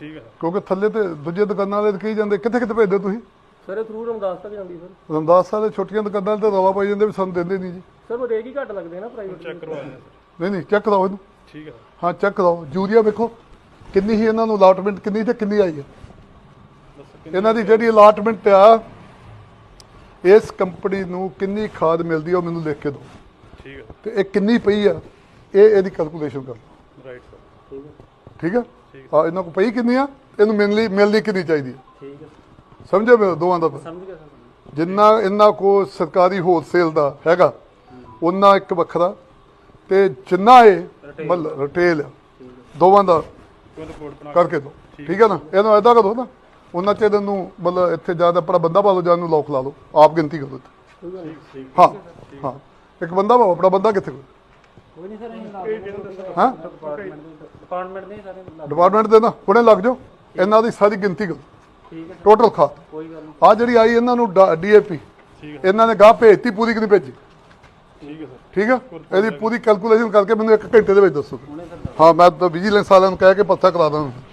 ਠੀਕ ਹੈ ਕਿਉਂਕਿ ਥੱਲੇ ਤੇ ਦੂਜੇ ਦੁਕਾਨਾਂ ਵਾਲੇ ਕਹੀ ਜਾਂਦੇ ਕਿੱਥੇ ਕਿੱਥੇ ਭੇਜਦੇ ਤੁਸੀਂ ਸਰ ਇਹ ਥਰੂ ਰਮਦਾਸ ਤੱਕ ਜਾਂਦੀ ਸਰ। ਰਮਦਾਸ ਸਾਹਿਬ ਦੇ ਛੋਟੀਆਂ ਦੁਕਾਨਾਂ ਤੇ ਰਵਾ ਪਾਈ ਜਾਂਦੇ ਵੀ ਸਾਨੂੰ ਦਿੰਦੇ ਨਹੀਂ ਜੀ। ਸਰ ਉਹ ਰੇਟ ਹੀ ਘੱਟ ਲੱਗਦੇ ਨਾ ਪ੍ਰਾਈਵੇਟ। ਚੈੱਕ ਕਰਵਾਇਆ ਨਹੀਂ ਨਹੀਂ ਚੈੱਕ ਕਰਾਓ ਇਹਨੂੰ। ਠੀਕ ਹੈ ਹਾਂ ਚੈੱਕ ਕਰਾਓ। ਯੂਰੀਆ ਵੇਖੋ ਕਿੰਨੀ ਹੀ ਇਹਨਾਂ ਨੂੰ ਅਲਾਟਮੈਂਟ ਕਿੰਨੀ ਤੇ ਕਿੰਨੀ ਆਈ ਹੈ। ਇਹਨਾਂ ਦੀ ਜਿਹੜੀ ਅਲਾਟਮੈਂਟ ਆ ਇਸ ਕੰਪਨੀ ਨੂੰ ਕਿੰਨੀ ਖਾਦ ਮਿਲਦੀ ਆ ਉਹ ਮੈਨੂੰ ਲਿਖ ਕੇ ਦਿਓ। ਠੀਕ ਹੈ ਤੇ ਇਹ ਕਿੰਨੀ ਪਈ ਆ ਇਹਦੀ ਕੈਲਕੂਲੇਸ਼ਨ ਕਰ ਲਓ। ਰਾਈਟ ਸਰ ਠੀਕ ਹੈ ਹਾਂ ਇਹਨਾਂ ਕੋਲ ਪਈ ਕਿੰਨੀ ਆ ਇਹਨੂੰ ਮਿਲਣੀ ਕਿੰਨੀ ਚਾਹੀਦੀ ਹੈ। ਠੀਕ ਹੈ ਸਮਝਿਆ ਮੇਰੇ ਦੋਵਾਂ ਦਾ ਸਮਝ ਗਿਆ ਸਰ। ਜਿੰਨਾ ਇਹਨਾਂ ਕੋਲ ਸਰਕਾਰੀ ਹੋਲਸੇਲ ਦਾ ਹੈਗਾ ਉਹਨਾਂ ਇੱਕ ਵੱਖਰਾ ਤੇ ਜਿੰਨਾ ਇਹ ਮਤਲਬ ਰਿਟੇਲ ਆ ਦੋਵਾਂ ਦਾ ਰਿਪੋਰਟ ਬਣਾ ਕਰਕੇ ਦਿਓ। ਠੀਕ ਹੈ ਨਾ ਇਹਨੂੰ ਐਦਾਂ ਕਰੋ ਨਾ ਉਹਨਾਂ ਚ ਇਹਨੂੰ ਮਤਲਬ ਇੱਥੇ ਜਿਆਦਾ ਆਪਣਾ ਬੰਦਾ ਪਾ ਲਓ ਜਾਂ ਨੂੰ ਲੋਕ ਲਾ ਲਓ ਆਪ ਗਿਣਤੀ ਕਰੋ ਇੱਥੇ। ਹਾਂ ਹਾਂ ਇੱਕ ਬੰਦਾ ਪਾਓ ਆਪਣਾ ਬੰਦਾ ਕਿੱਥੇ ਕੋਈ ਨਹੀਂ ਸਰ ਅਸੀਂ ਹਾਂ ਡਿਪਾਰਟਮੈਂਟ ਦੇ ਸਾਰੇ ਡਿਪਾਰਟਮੈਂਟ ਦੇ ਨਾ ਹੁਣੇ ਲੱਗ ਜਾਓ ਇਹਨਾਂ ਦੀ ਸਾਰੀ ਗਿਣਤੀ ਕਰੋ ਠੀਕ ਹੈ ਟੋਟਲ ਖਾਦ। ਕੋਈ ਗੱਲ ਨਹੀਂ। ਆ ਜਿਹੜੀ ਆਈ ਇਹਨਾਂ ਨੂੰ ਡੀਏਪੀ ਇਹਨਾਂ ਨੇ ਗਾਹ ਭੇਜਤੀ ਪੂਰੀ ਕਿ ਨਹੀਂ ਭੇਜੀ। ਠੀਕ ਹੈ ਸਰ ਠੀਕ ਹੈ ਇਹਦੀ ਪੂਰੀ ਕੈਲਕੂਲੇਸ਼ਨ ਕਰਕੇ ਮੈਨੂੰ 1 ਘੰਟੇ ਦੇ ਵਿੱਚ ਦੱਸੋ। ਹਾਂ ਮੈਂ ਤਾਂ ਵਿਜੀਲੈਂਸ ਵਾਲਿਆਂ ਨੂੰ ਕਹਿ ਕੇ ਪੱਤਾ ਕਰਾ ਦਾਂ।